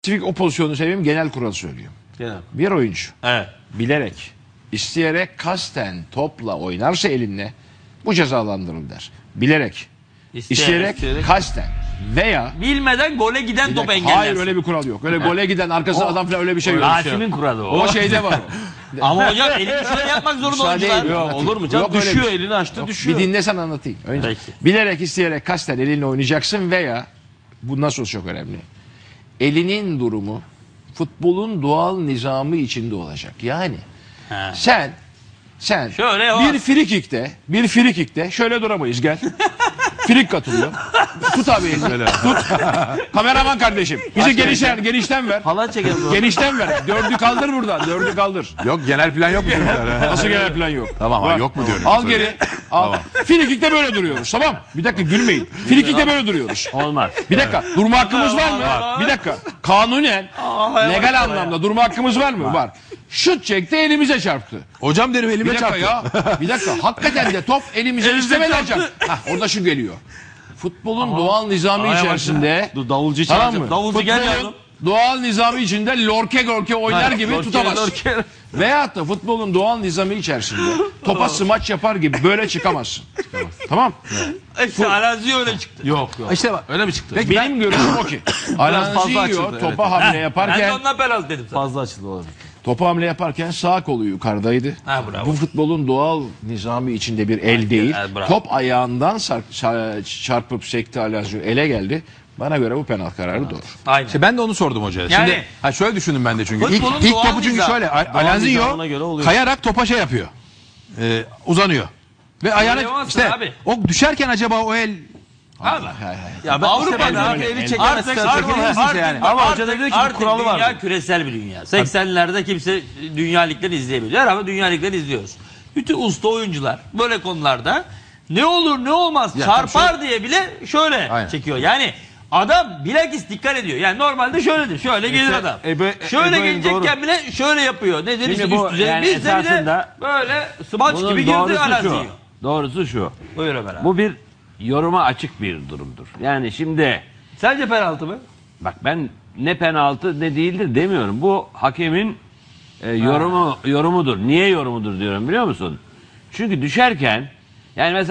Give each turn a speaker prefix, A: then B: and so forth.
A: Spesifik o pozisyonu seveyim, genel kural söylüyorum.
B: Genel.
A: Bir oyuncu
B: Evet.
A: bilerek, isteyerek, kasten topla oynarsa elinle bu cezalandırılır der. Bilerek, isteyerek, kasten veya
B: bilmeden gole giden top engellensin.
A: hayır, öyle bir kural yok. Öyle gole giden arkasında adam falan öyle bir şey yok.
C: Rasim'in kuralı o.
A: O şeyde var.
B: Ama hocam elini şöyle yapmak zorunda
A: Müsaade
B: oyuncular.
A: edin.
B: Yok, olur mu canım?
A: Yok, öyle
B: Düşüyor
A: bir şey.
B: elini açtı
A: Yok,
B: düşüyor.
A: bir dinlesen anlatayım. Önce
B: Peki.
A: bilerek, isteyerek, kasten elinle oynayacaksın veya bu nasıl çok önemli. Elinin durumu futbolun doğal nizamı içinde olacak. Yani sen
B: Şöyle
A: bir frikikte şöyle duramayız, gel. Frik katılıyor. Tut abi elini. Tut. Kameraman kardeşim. Bizi genişten ver.
B: Falan çekelim.
A: Genişten ver. Dördü kaldır buradan. Dördü kaldır.
D: Yok, genel plan yok mu çocuklar?
A: Nasıl genel plan yok?
D: Tamam,
A: Var.
D: yok mu diyorum.
A: Al geri. Al. Frikikte böyle duruyoruz, tamam. Bir dakika, gülmeyin. Frikikte böyle duruyoruz.
C: Olmaz.
A: Bir dakika. Durma hakkımız var mı?
B: Var.
A: Bir dakika. Kanunen, legal anlamda durma hakkımız var mı? Var. Şut çekti, elimize çarptı.
D: Hocam derim,
A: Bir
D: elime
A: dakika
D: çarptı.
A: ya. Bir dakika. Hakikaten de top elimize istemeden çarptı. Orada şu geliyor. Futbolun doğal nizamı içerisinde,
B: Dur, davulcu
A: tamam
B: çağıracağım.
A: mı?
B: Davulcu gel
A: Futbolun
B: yavrum.
A: doğal nizamı içinde lorke oynar gibi tutamaz. Veyahut da futbolun doğal nizamı içerisinde topa smaç yapar gibi böyle çıkamazsın. Tamam?
B: İşte Alazi öyle çıktı.
D: Yok.
A: İşte bak.
B: Öyle mi çıktı?
A: Benim görüşüm o ki. Alanziyo
B: açıldı,
A: topa hamle
B: Ben de
A: yaparken,
B: ondan penaltı dedim sana.
D: Fazla açıldı olabilir.
A: topa hamle yaparken sağ kolu yukarıdaydı.
B: Ha, bravo.
A: Bu futbolun doğal nizamı içinde bir el değil.
B: ha, bravo.
A: Top ayağından çarpıp sekti, Alanziyo ele geldi. Bana göre bu penaltı kararı doğru.
B: Aynen.
D: İşte ben de onu sordum hocaya.
B: Yani-
D: Şimdi şöyle düşündüm ben de çünkü.
B: Futbolun
D: İlk
B: doğal
D: topu çünkü
B: nizam.
D: şöyle.
B: nizamına
D: Alanzinho
B: göre oluyor.
D: kayarak topa şey yapıyor. Uzanıyor. Ve ayağına
B: yapamazsın
D: işte
B: abi.
D: o düşerken acaba o el
B: Abi.
D: ya ben
B: Avrupa'da
D: abi eli
B: Artık
D: çekemezsin yani.
B: Ama hoca da diyor ki bir kuralı var. Dünya küresel bir dünya. 80'lerde kimse dünya ligleri izleyemiyor. Ama dünya ligleri izliyoruz. Bütün usta oyuncular böyle konularda ne olur ne olmaz
D: Ya,
B: çarpar diye bile şöyle
D: Aynen.
B: çekiyor. Yani adam bilakis dikkat ediyor. Yani normalde şöyledir. Şöyle gelir adam. Şöyle gelecekken bile şöyle yapıyor. Nedir işte
C: bu
B: üst düzey.
C: yani
B: Biz de bir de
C: esasında
B: böyle smaç
C: Bunun
B: gibi girdi
C: doğrusu
B: Alanzi'yi.
C: Doğrusu şu.
B: Buyur Ömer abi.
C: Bu bir yoruma açık bir durumdur. Yani şimdi
B: Sence penaltı mı?
C: bak, ben ne penaltı ne değildir demiyorum. Bu hakemin yorumudur. Niye yorumudur diyorum, biliyor musun? Çünkü düşerken, yani mesela